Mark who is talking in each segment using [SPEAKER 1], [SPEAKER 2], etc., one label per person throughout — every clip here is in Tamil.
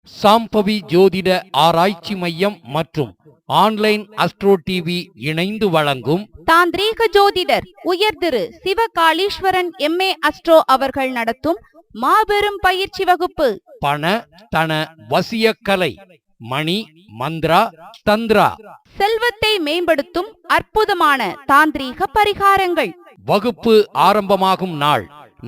[SPEAKER 1] சாம்பவி ஜோதிட ஆராய்ச்சி மையம் மற்றும் ஆன்லைன் அஸ்ட்ரோ டிவி இணைந்து வழங்கும்
[SPEAKER 2] தாந்திரீக ஜோதிடர் உயர் திரு சிவகாளீஸ்வரன் MA அஸ்ட்ரோ அவர்கள் நடத்தும் மாபெரும் பயிற்சி வகுப்பு.
[SPEAKER 1] பண தன வசியக்கலை, மணி, மந்த்ரா, தந்திரா,
[SPEAKER 2] செல்வத்தை மேம்படுத்தும் அற்புதமான தாந்திரீக பரிகாரங்கள்.
[SPEAKER 1] வகுப்பு ஆரம்பமாகும் நாள்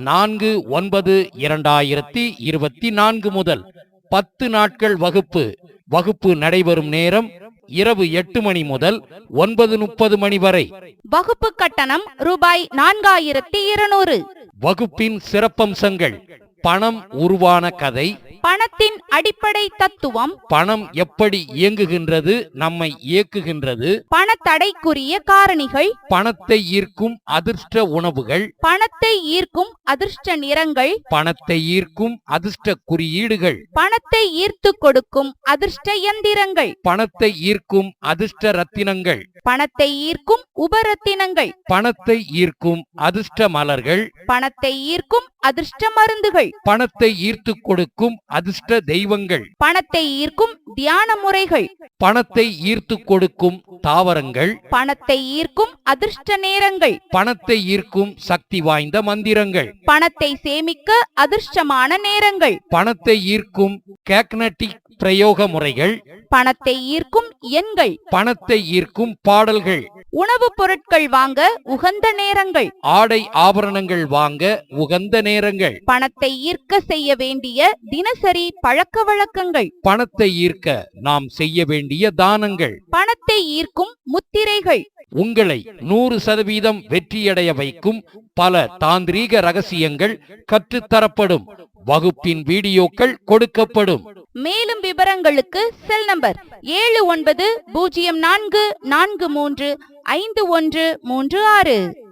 [SPEAKER 1] 4/9/2024 முதல் 10 நாட்கள் வகுப்பு. வகுப்பு நடைபெறும் நேரம் இரவு 8 மணி முதல் 9:30 மணி வரை.
[SPEAKER 2] வகுப்பு கட்டணம் ரூபாய் 4200.
[SPEAKER 1] வகுப்பின் சிறப்பம்சங்கள்: பணம் உருவான கதை,
[SPEAKER 2] பணத்தின் அடிப்படை தத்துவம்,
[SPEAKER 1] பணம் எப்படி இயங்குகின்றது, நம்மை இயக்குகின்றது,
[SPEAKER 2] பணத்தடைக்குரிய காரணிகள்,
[SPEAKER 1] பணத்தை ஈர்க்கும் அதிர்ஷ்ட உணவுகள்,
[SPEAKER 2] பணத்தை ஈர்க்கும் அதிர்ஷ்ட நிறங்கள்,
[SPEAKER 1] பணத்தை ஈர்க்கும் அதிர்ஷ்ட குறியீடுகள்,
[SPEAKER 2] பணத்தை ஈர்த்து கொடுக்கும் அதிர்ஷ்ட யந்திரங்கள்,
[SPEAKER 1] பணத்தை ஈர்க்கும் அதிர்ஷ்ட ரத்தினங்கள்,
[SPEAKER 2] பணத்தை ஈர்க்கும் உபரத்தினங்கள்,
[SPEAKER 1] பணத்தை ஈர்க்கும் அதிர்ஷ்ட மலர்கள்,
[SPEAKER 2] பணத்தை ஈர்க்கும் அதிர்ஷ்ட மருந்துகள்,
[SPEAKER 1] பணத்தை ஈர்த்து கொடுக்கும் அதிர்ஷ்ட தெய்வங்கள்,
[SPEAKER 2] பணத்தை ஈர்க்கும் தியான முறைகள்,
[SPEAKER 1] பணத்தை ஈர்த்து கொடுக்கும் தாவரங்கள்,
[SPEAKER 2] பணத்தை ஈர்க்கும் அதிர்ஷ்ட நேரங்கள்,
[SPEAKER 1] பணத்தை ஈர்க்கும் சக்தி வாய்ந்த மந்திரங்கள்,
[SPEAKER 2] பணத்தை சேமிக்க அதிர்ஷ்டமான நேரங்கள்,
[SPEAKER 1] பணத்தை ஈர்க்கும் கேக்னட்டிக் பிரயோக முறைகள்,
[SPEAKER 2] பணத்தை ஈர்க்கும் எண்கள்,
[SPEAKER 1] பணத்தை ஈர்க்கும் பாடல்கள்,
[SPEAKER 2] உணவுப் பொருட்கள் வாங்க உகந்த நேரங்கள்,
[SPEAKER 1] ஆடை ஆபரணங்கள் வாங்க உகந்த நேரங்கள்,
[SPEAKER 2] பணத்தை ஈர்க்க செய்ய வேண்டிய தினசரி பழக்க வழக்கங்கள்,
[SPEAKER 1] பணத்தை ஈர்க்க நாம் செய்ய வேண்டிய தானங்கள்,
[SPEAKER 2] பணத்தை ஈர்க்கும் முத்திரைகள்.
[SPEAKER 1] உங்களை 100% வெற்றியடைய வைக்கும் பல தாந்திரீக ரகசியங்கள் கற்றுத்தரப்படும். வகுப்பின் வீடியோக்கள் கொடுக்கப்படும்.
[SPEAKER 2] மேலும் விவரங்களுக்கு செல் நம்பர் 7904435136.